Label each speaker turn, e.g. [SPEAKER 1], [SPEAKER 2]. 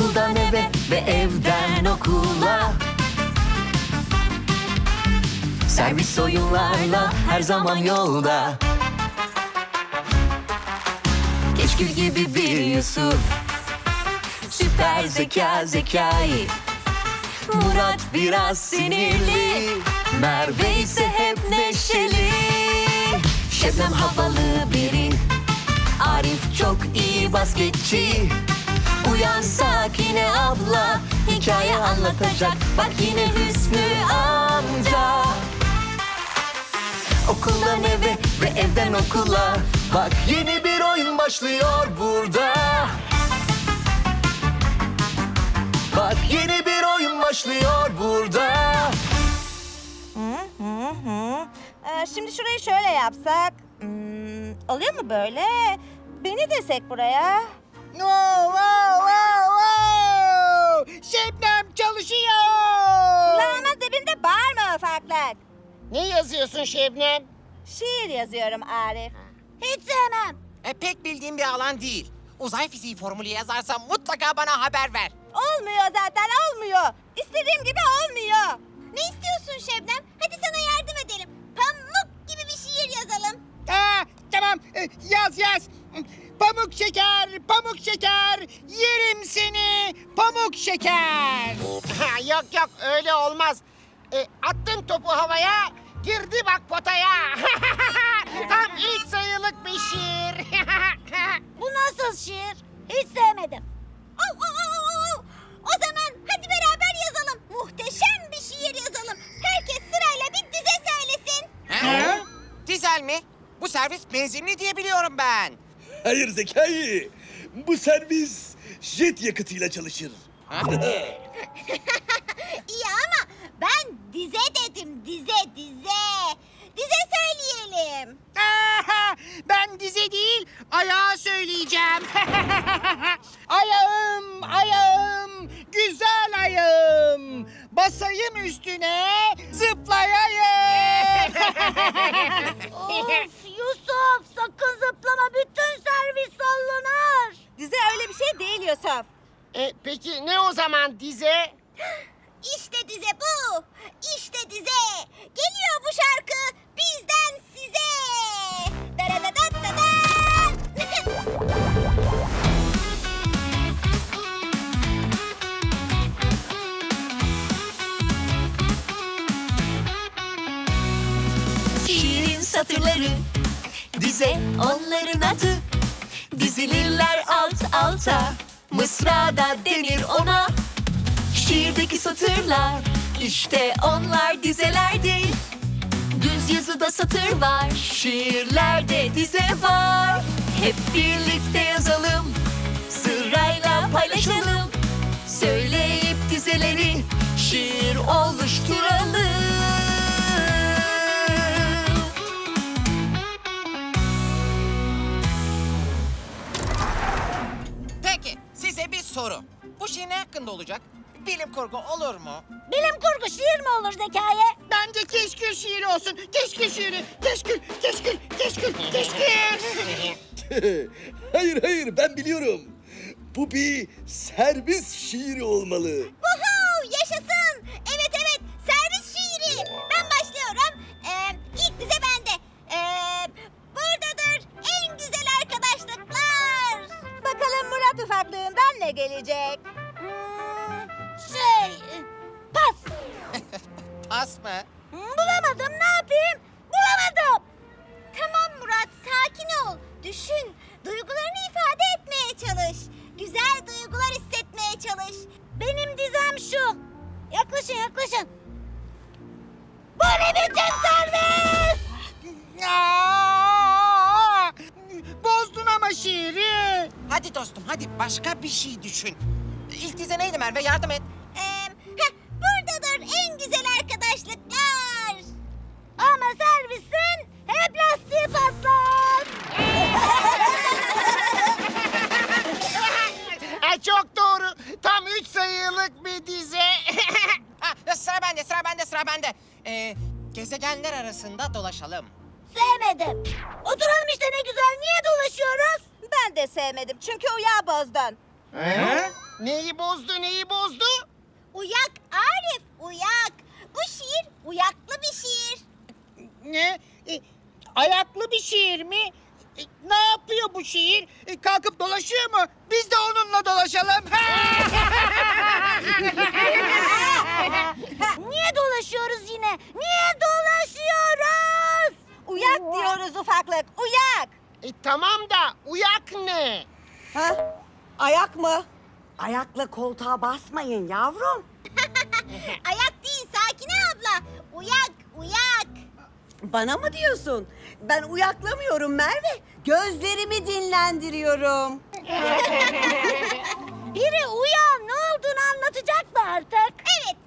[SPEAKER 1] Okuldan eve ve evden okula. Servis oyunlarla her zaman yolda. Keşkül gibi bir Yusuf, süper zeka Zekai. Murat biraz sinirli, Merve ise hep neşeli. Şebnem havalı biri, Arif çok iyi basketçi. Uyan Sakine abla, hikaye anlatacak. Bak yine Hüsnü amca. Okuldan eve ve evden okula. Bak yeni bir oyun başlıyor burada. Bak yeni bir oyun başlıyor burada.
[SPEAKER 2] Şimdi şurayı şöyle yapsak. Oluyor mu böyle? Beni desek buraya.
[SPEAKER 3] Wow, wow, wow, wow! Şebnem çalışıyor.
[SPEAKER 2] Kulağımın dibinde bağırma ufaklık.
[SPEAKER 3] Ne yazıyorsun Şebnem?
[SPEAKER 2] Şiir yazıyorum Arif. Hiç sevmem.
[SPEAKER 4] Pek bildiğim bir alan değil. Uzay fiziği formülü yazarsam mutlaka bana haber ver.
[SPEAKER 2] Olmuyor zaten, olmuyor. İstediğim gibi olmuyor. Ne istiyorsun Şebnem? Hadi sana yardım edelim. Pamuk gibi bir şiir yazalım.
[SPEAKER 3] Tamam, yaz. Pamuk şeker, pamuk şeker, yerim seni pamuk şeker. Yok öyle olmaz. Attın topu havaya, girdi bak potaya. Tam ilk sayılık bir şiir.
[SPEAKER 2] Bu nasıl şiir? Hiç sevmedim. O zaman hadi beraber yazalım. Muhteşem bir şiir yazalım. Herkes sırayla bir dize söylesin.
[SPEAKER 4] Dizel mi? Bu servis benzinli diye biliyorum ben.
[SPEAKER 5] Hayır Zekai. Bu servis jet yakıtıyla çalışır.
[SPEAKER 2] İyi ama ben dize dedim, dize. Dize söyleyelim.
[SPEAKER 3] Ben dize değil, ayağı söyleyeceğim. Ayağım, güzel ayağım. Basayım üstüne, zıplayayım.
[SPEAKER 2] Of Yusuf, sakın zıplama, bütün servis sallanır. Dize öyle bir şey değil Yusuf.
[SPEAKER 3] Peki ne o zaman dize?
[SPEAKER 2] İşte dize bu. İşte dize. Geliyor bu şarkı bizden size. Daradadadada.
[SPEAKER 1] Şiirin satırları, dize onların adı. Dizilirler alt alta, mısrada denir ona. Şiirdeki satırlar, işte onlar dizelerdir. Düz yazıda satır var, şiirlerde dize var. Hep birlikte yazalım, sırayla paylaşalım. Söyleyip dizeleri şiir oluşturalım.
[SPEAKER 4] Peki size bir soru. Bu şiir ne hakkında olacak? Bilim kurgu olur mu?
[SPEAKER 2] Bilim kurgu şiir mi olur Zekai?
[SPEAKER 3] Bence keşkül şiiri olsun. Keşkül şiiri. Keşkül.
[SPEAKER 5] Hayır ben biliyorum. Bu bir servis şiiri olmalı.
[SPEAKER 2] Woohoo! Yaşasın! Evet, servis şiiri. Ben başlıyorum. İlk dize bende. Buradadır en güzel arkadaşlıklar. Bakalım Murat ufaklığından ne gelecek? Pas.
[SPEAKER 4] Pas mı?
[SPEAKER 2] Bulamadım, ne yapayım? Bulamadım. Tamam Murat, sakin ol. Düşün, duygularını ifade etmeye çalış. Güzel duygular hissetmeye çalış. Benim dizem şu. Yaklaşın. Bu ne biçim servis?
[SPEAKER 3] Bozdun ama şiiri.
[SPEAKER 4] Hadi dostum hadi başka bir şey düşün. İlk dize neydi Merve, yardım et.
[SPEAKER 2] Buradadır en güzel arkadaşlıklar. Ama servisin hep lastiği patlar.
[SPEAKER 3] Çok doğru. Tam 3 sayılık bir dize.
[SPEAKER 4] Sıra bende. Gezegenler arasında dolaşalım.
[SPEAKER 2] Sevmedim. Oturalım işte ne güzel. Niye dolaşıyoruz? Ben de sevmedim çünkü uyağı bozdun.
[SPEAKER 3] Neyi bozdu, neyi bozdu?
[SPEAKER 2] Uyak Arif, uyak. Bu şiir uyaklı bir şiir.
[SPEAKER 6] Ne? Ayaklı bir şiir mi? Ne yapıyor bu şiir? Kalkıp dolaşıyor mu? Biz de onunla dolaşalım.
[SPEAKER 2] Niye dolaşıyoruz yine? Niye dolaşıyoruz? Uyak diyoruz ufaklık, uyak.
[SPEAKER 3] Tamam da uyak ne?
[SPEAKER 7] Ha? Ayak mı? Ayakla koltuğa basmayın yavrum.
[SPEAKER 2] Ayak değil Sakine abla. Uyak, uyak.
[SPEAKER 7] Bana mı diyorsun? Ben uyaklamıyorum Merve. Gözlerimi dinlendiriyorum.
[SPEAKER 2] Biri uyan, ne olduğunu anlatacak mı artık? Evet,